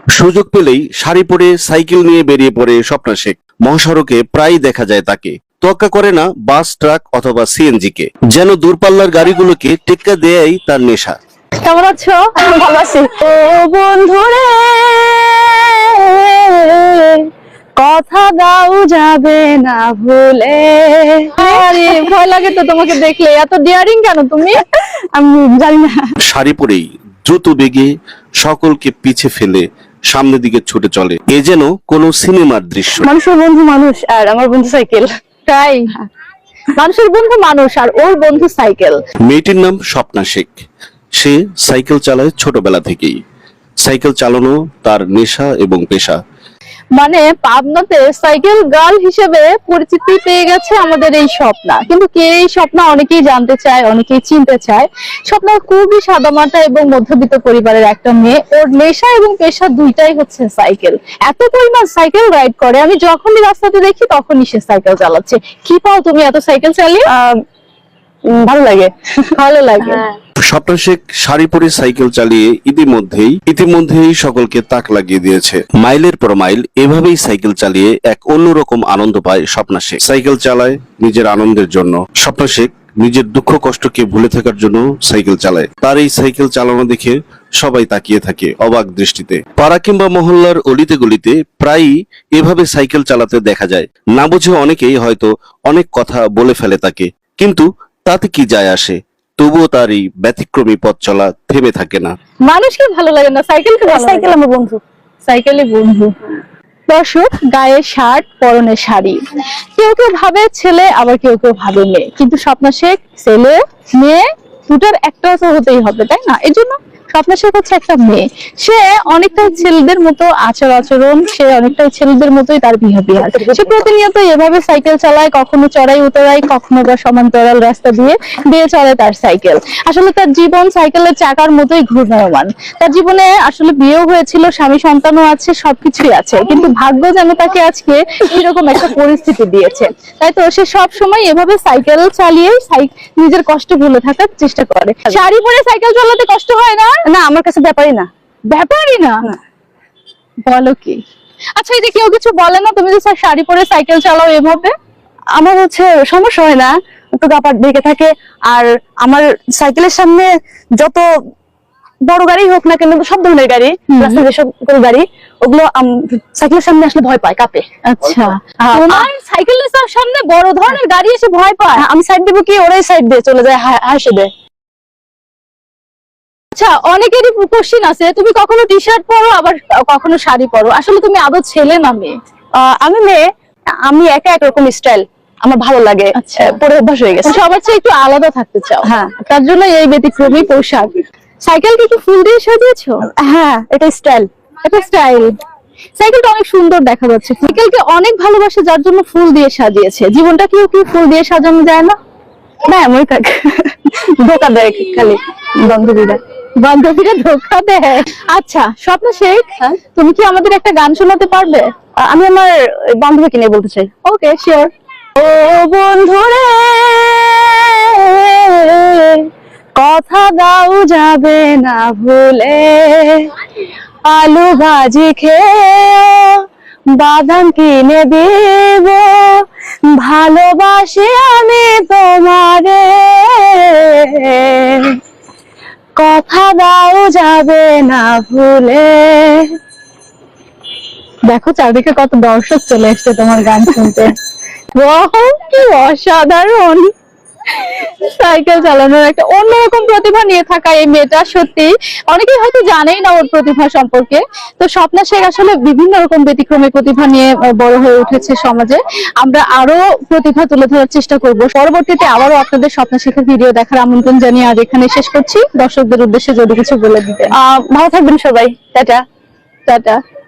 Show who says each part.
Speaker 1: সুযোগ পেলেই শাড়ি পরে সাইকেল নিয়ে বেরিয়ে পড়ে স্বপ্না শেখ। মহাসড়কে প্রায় দেখা যায় তাকে। তোয়াক্কা করে না বাস, ট্রাক অথবা সিএনজি কে। যেন দূরপাল্লার গাড়িগুলোকে টেক্কা দেয়াই তার নেশা।
Speaker 2: কেমন আছো? ভালো আছি। ও বন্ধুরে কথা দাও যাবে না ভুলে। আরে ভয় লাগে তো তোমাকে দেখলে, এত ডিয়ারিং কেন তুমি? আমি জানি না।
Speaker 1: শাড়ি পরেই দ্রুত বেগে সকলকে পিছে ফেলে সামনের দিকে ছুটে চলে, এ যেন কোনো সিনেমার দৃশ্য।
Speaker 2: মানুষের বন্ধু মানুষ আর আমার বন্ধু সাইকেল। তাই মানুষের বন্ধু মানুষ আর ওর বন্ধু সাইকেল।
Speaker 1: মেয়েটির নাম স্বপ্না শেখ। সে সাইকেল চালায় ছোটবেলা থেকেই। সাইকেল চালানো তার নেশা এবং পেশা।
Speaker 2: মানে পাবনাতে সাইকেল গার্ল হিসেবে পরিচিতি পেয়ে গেছে আমাদের এই স্বপ্না। কিন্তু কে এই স্বপ্না অনেকেই জানতে চায়, অনেকেই চিনতে চায়। স্বপ্না খুবই সাদামাটা এবং মধ্যবিত্ত পরিবারের একটা মেয়ে। ওর নেশা এবং পেশা দুইটাই হচ্ছে সাইকেল। এত পরিমাণ সাইকেল রাইড করে, আমি যখনই রাস্তাতে দেখি তখনই সে সাইকেল চালাচ্ছে। কি পাও তুমি এত সাইকেল চালিয়ে? ভালো লাগে, ভালো লাগে।
Speaker 1: স্বপ্না শেখ শাড়ি পরে সাইকেল চালিয়ে ইতিমধ্যেই সকলকে তাক লাগিয়ে দিয়েছে। মাইলের পর মাইল এভাবেই সাইকেল চালিয়ে এক অন্যরকম আনন্দ পায় স্বপ্না শেখ। সাইকেল চালায় নিজের আনন্দের জন্য। স্বপ্না শেখ নিজের দুঃখ কষ্টকে ভুলে থাকার জন্য সাইকেল চালায়। তার এই সাইকেল চালানো দেখে সবাই তাকিয়ে থাকে অবাক দৃষ্টিতে। পাড়া কিংবা মহল্লার অলিতে গলিতে প্রায়ই এভাবে সাইকেল চালাতে দেখা যায়। না বুঝে অনেকেই হয়তো অনেক কথা বলে ফেলে তাকে, কিন্তু তাতে কি যায় আসে। তবুও তার এই ব্যতিক্রমী পথ চলা থেমে থাকে না।
Speaker 2: মানুষকে ভালো লাগে না, সাইকেলকে ভালো লাগে। সাইকেল আমার বন্ধু, সাইকেলই বন্ধু। দর্শক, গায়ে শার্ট, পরনে শাড়ি। কেউ কেউ ভাবে ছেলে, আবার কেউ কেউ ভাবে মেয়ে। কিন্তু স্বপ্না শেখ ছেলে মেয়ে দুটার একটা তো হতেই হবে, তাই না? এই জন্য স্বপ্না শেখ হচ্ছে একটা মেয়ে। সে অনেকটাই ছেলেদের মতো আচরণ, সে অনেকটাই ছেলেদের মতোই তার বিহেভিয়ার। সে প্রতিনিয়ত এভাবে সাইকেল চালায়, কখনো চড়াই উতরাই, কখনো বা সমান্তরাল রাস্তা দিয়ে চলে তার সাইকেল। আসলে তার জীবন সাইকেলের চাকার মতোই ঘূর্ণায়মান। তার জীবনে আসলে বিয়েও হয়েছিল, স্বামী সন্তানও আছে, সবকিছুই আছে, কিন্তু ভাগ্য যেন তাকে আজকে এরকম একটা পরিস্থিতি দিয়েছে। তাই তো সে সব সময় এভাবে সাইকেল চালিয়ে নিজের কষ্ট ভুলে থাকার চেষ্টা করে। শাড়ি পরে সাইকেল চালাতে কষ্ট হয় না? না, আমার কাছে ব্যাপারই না। ব্যাপারই না? বলো কি? আচ্ছা, এই যে কেউ কিছু বলে না তুমি যে শাড়ি পরে সাইকেল চালাও এভাবে? আমার হচ্ছে সমস্যা হয় না, তো গাপাট ঢেকে থাকে। আর আমার সাইকেলের সামনে যত বড় গাড়ি হোক না কেন, সব ধরনের গাড়ি, রাস্তায় যেসব গাড়ি, ওগুলো সাইকেলের সামনে আসলে ভয় পায়, কাঁপে। আচ্ছা, তোমার সাইকেলের সামনে বড় ধরনের গাড়ি এসে ভয় পায়? আমি সাইড দেবো কি, ওরাই সাইড দিয়ে চলে যায়, হাসে দেয়। আচ্ছা, অনেকেরই কোশ্চেন আছে, তুমি কখনো টি শার্ট পরো আবার কখনো শাড়ি পরো, আসলে তুমি আদৌ ছেলে না মেয়ে? আমি মেয়ে। আমি একা একরকম স্টাইল আমার ভালো লাগে, পরে অভ্যাস হয়ে গেছে। সবার চেয়ে একটু আলাদা থাকতে চাও, হ্যাঁ, তার জন্য এই ব্যতিক্রমী পোশাক। সাইকেলকে কি ফুল দিয়ে সাজিয়েছো? হ্যাঁ, এটা স্টাইল, এটা স্টাইল। সাইকেলটা অনেক সুন্দর দেখা যাচ্ছে। সাইকেলকে অনেক ভালোবাসে, যার জন্য ফুল দিয়ে সাজিয়েছে। জীবনটা কি ফুল দিয়ে সাজানো যায় না? না, এমনই থাকে, ধোকা দেয় খালি বান্ধবীরা ধোকা দেয়। আচ্ছা স্বপ্না শেখ, তুমি কি আমাদের একটা গান শোনাতে পারবে? আমি আমার বান্ধবীকে নিয়ে বলতে চাই। ওকে, শিওর। ও বন্ধুরে কথা দাও যাবে না ভুলে, আলু ভাজি খেয়ে বাদাম কিনে দিব, ভালোবাসি আমি তোমারে, কথা দাও যাবে না ভুলে। দেখো চারদিকে কত দর্শক চলে এসছে তোমার গান শুনতে। কি অসাধারণ! সাইকেল চালানোর একটা অন্যরকম প্রতিভা নিয়ে থাকা এই মেয়েটা, সত্যি অনেকেই হয়তো জানেই না ওর প্রতিভা সম্পর্কে। তো স্বপ্না শেখ আসলে বিভিন্ন রকম ব্যতিক্রমী প্রতিভা নিয়ে বড় হয়ে উঠেছে সমাজে। আমরা আরো প্রতিভা তুলে ধরার চেষ্টা করব। পরবর্তীতে আবারও আপনাদের স্বপ্না শেখের ভিডিও দেখার আমন্ত্রণ জানিয়ে আজ এখানে শেষ করছি। দর্শকদের উদ্দেশ্যে যদি কিছু বলে দিতেন। ভালো থাকবেন সবাই। Tata tata.